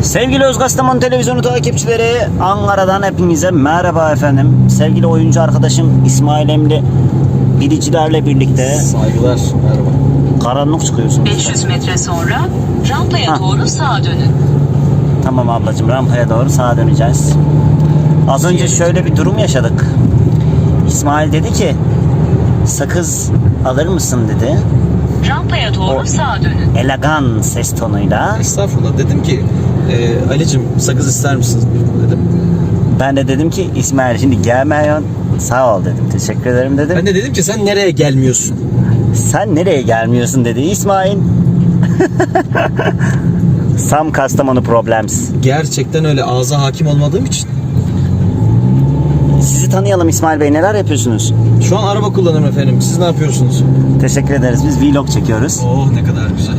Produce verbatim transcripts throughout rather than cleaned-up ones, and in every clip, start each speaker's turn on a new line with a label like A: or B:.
A: Sevgili Özgastamonu Televizyonu takipçileri, Ankara'dan hepinize merhaba efendim. Sevgili oyuncu arkadaşım İsmail Emli bilicilerle birlikte
B: saygılar, merhaba.
A: Karanlık çıkıyorsunuz.
C: beş yüz metre sonra rampaya
A: Ha.
C: doğru sağa dönün.
A: Tamam ablacığım, rampaya doğru sağa döneceğiz. Az önce şöyle bir durum yaşadık. İsmail dedi ki sakız alır mısın dedi.
C: Rampaya doğru
A: O-
C: sağa dönün.
A: Elegan ses tonuyla.
B: Estağfurullah. Dedim ki e, Ali'cim sakız ister misin dedim.
A: Ben de dedim ki İsmail şimdi gelmiyorsun. Sağ ol dedim. Teşekkür ederim dedim.
B: Ben de dedim ki sen nereye gelmiyorsun?
A: Sen nereye gelmiyorsun dedi İsmail. Some Kastamonu problems.
B: Gerçekten öyle, ağza hakim olmadığım için.
A: Sizi tanıyalım İsmail Bey, neler yapıyorsunuz?
B: Şu an araba kullanıyorum efendim. Siz ne yapıyorsunuz?
A: Teşekkür ederiz, biz vlog çekiyoruz.
B: Oh ne kadar güzel.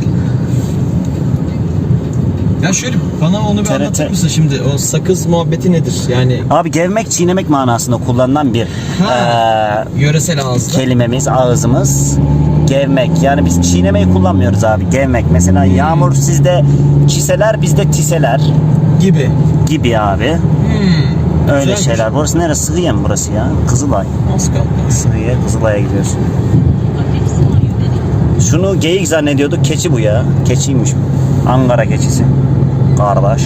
B: Ya şöyle bana onu bir
A: T R T.
B: anlatır mısın şimdi? O sakız muhabbeti nedir? Yani
A: Abi gevmek, çiğnemek manasında kullanılan bir
B: Ha.
A: eee,
B: yöresel ağızda.
A: kelimemiz, ağzımız. Gevmek, yani biz çiğnemeyi kullanmıyoruz abi, gevmek. Mesela yağmur sizde çiseler, bizde tiseler
B: gibi.
A: gibi abi.
B: Hmm.
A: Öyle
B: Güzelmiş.
A: şeyler. Burası neresi? Sığıye mi burası ya? Kızılay.
B: Az kaldı.
A: Sığıye, Kızılay'a gidiyorsun. Şunu geyik zannediyorduk. Keçi bu ya. Keçiymiş bu. Ankara keçisi. Kardeş.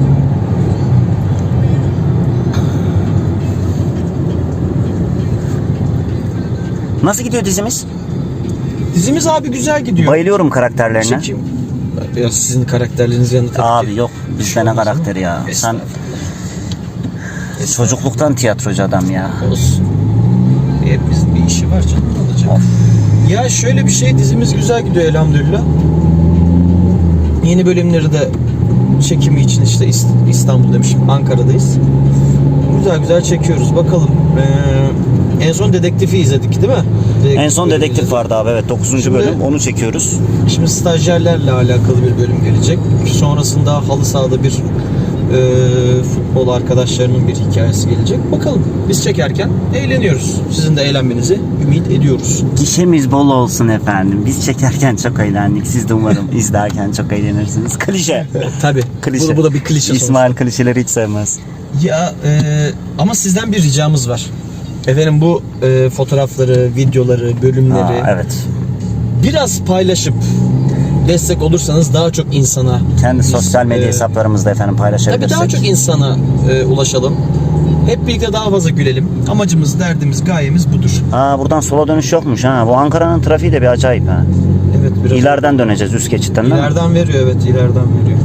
A: Nasıl gidiyor dizimiz?
B: Dizimiz abi güzel gidiyor.
A: Bayılıyorum karakterlerine.
B: Çekim. Ya sizin karakterleriniz yanında tabii
A: Abi
B: ki
A: yok.
B: bir
A: Bizde
B: şey
A: ne
B: olmaz ama.
A: karakteri ya. Sen
B: Estağfurullah.
A: çocukluktan tiyatrocu adam ya.
B: Olsun. Hepimizin bir işi var canım, ne olacak?
A: Of.
B: Ya şöyle bir şey, dizimiz güzel gidiyor elhamdülillah. Yeni bölümleri de çekimi için işte İst- İstanbul demişim, Ankara'dayız. Güzel güzel çekiyoruz. Bakalım. Ee, en son Dedektif'i izledik değil mi? Dedektif
A: En son
B: bölümü
A: dedektif
B: izledik.
A: vardı abi, evet, dokuzuncu
B: Şimdi-
A: bölüm, onu çekiyoruz.
B: Şimdi stajyerlerle alakalı bir bölüm gelecek. Sonrasında halı sahada bir e, futbol arkadaşlarının bir hikayesi gelecek. Bakalım. Biz çekerken eğleniyoruz. Sizin de eğlenmenizi ümit ediyoruz.
A: Gişemiz bol olsun efendim. Biz çekerken çok eğlendik. Siz de umarım izlerken çok eğlenirsiniz. Klişe.
B: Tabii.
A: Klişe.
B: Bu, bu da bir klişe
A: İsmail klişeleri hiç sevmez.
B: sonuçta. Ya e, ama sizden bir ricamız var. Efendim bu e, fotoğrafları, videoları, bölümleri
A: Aa, evet.
B: biraz paylaşıp destek olursanız daha çok insana,
A: Kendi
B: biz,
A: sosyal medya
B: e,
A: hesaplarımızda efendim
B: tabii
A: paylaşabilirsek.
B: daha çok insana e, ulaşalım. Hep birlikte daha fazla gülelim. Amacımız, derdimiz, gayemiz budur.
A: Aa, buradan sola dönüş yokmuş ha. Bu Ankara'nın trafiği de bir acayip ha.
B: Evet, biraz
A: İleriden döneceğiz, üst geçitten değil mi?
B: ileriden veriyor, evet, ileriden veriyor.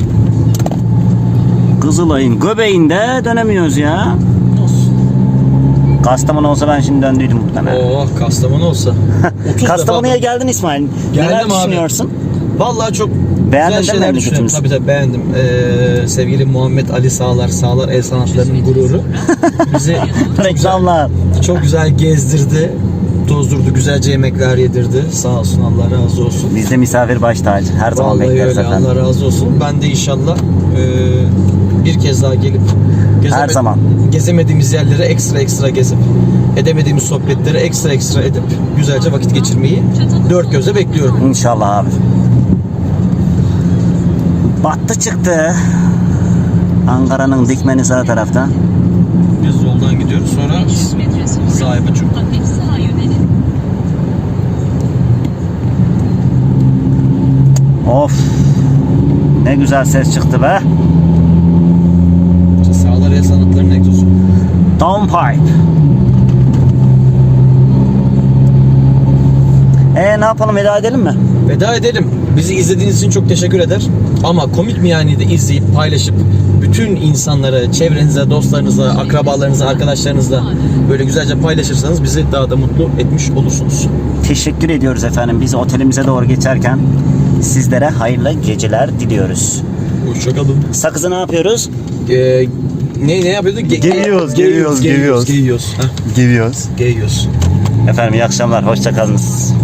A: Kızılay'ın göbeğinde dönemiyoruz ya.
B: Olsun.
A: Kastamonu olsa ben şimdi döndüydüm muhtemelen.
B: Oh, Kastamonu olsa. otuz
A: Kastamonu'ya
B: defa-
A: geldin İsmail.
B: Geldim
A: Neler
B: abi.
A: düşünüyorsun?
B: Vallahi çok
A: Beğendin
B: güzel
A: değil mi
B: şeyler düşünüyorum.
A: memleketimizi?
B: Tabii tabii beğendim. Ee, sevgili Muhammed Ali Sağlar, Sağlar El Sanatları'nın gururu. Bizi çok güzel,
A: Reklamlar.
B: çok güzel gezdirdi. Tozdurdu, güzelce yemekler yedirdi. Sağ olsun, Allah razı olsun.
A: Bizde misafir baş tacı. Her zaman
B: Vallahi
A: bekleriz
B: öyle,
A: efendim.
B: Allah razı olsun. Ben de inşallah e, bir kez daha gelip
A: Her zaman.
B: gezemediğimiz yerlere ekstra ekstra gezip edemediğimiz sohbetleri ekstra ekstra edip güzelce vakit geçirmeyi dört gözle bekliyorum.
A: İnşallah abi. Battı çıktı. Ankara'nın dikmeni sağ tarafta.
B: Biz yoldan gidiyoruz, sonra
C: beş yüz metre sonra
B: sahibi çok.
C: hafif sağa yönelin.
A: Of. Ne güzel ses çıktı be.
B: Sağlar El Sanatları'nın egzozu.
A: Downpipe. E ne yapalım, veda edelim mi?
B: Veda edelim. Bizi izlediğiniz için çok teşekkür eder. Ama komik mi yani de izleyip paylaşıp bütün insanlara, çevrenize, dostlarınıza, akrabalarınıza, arkadaşlarınızla böyle güzelce paylaşırsanız bizi daha da mutlu etmiş olursunuz.
A: Teşekkür ediyoruz efendim. Biz otelimize doğru geçerken sizlere hayırlı geceler diliyoruz.
B: Hoşçakalın.
A: Sakızı ne yapıyoruz?
B: Ee, ne ne yapıyorduk? Ge-
A: Geviyoruz, geviyoruz,
B: geviyoruz.
A: geviyoruz.
B: Geviyoruz. Heh,
A: Gidiyoruz.
B: geviyoruz.
A: Efendim iyi akşamlar. Hoşça kalınız.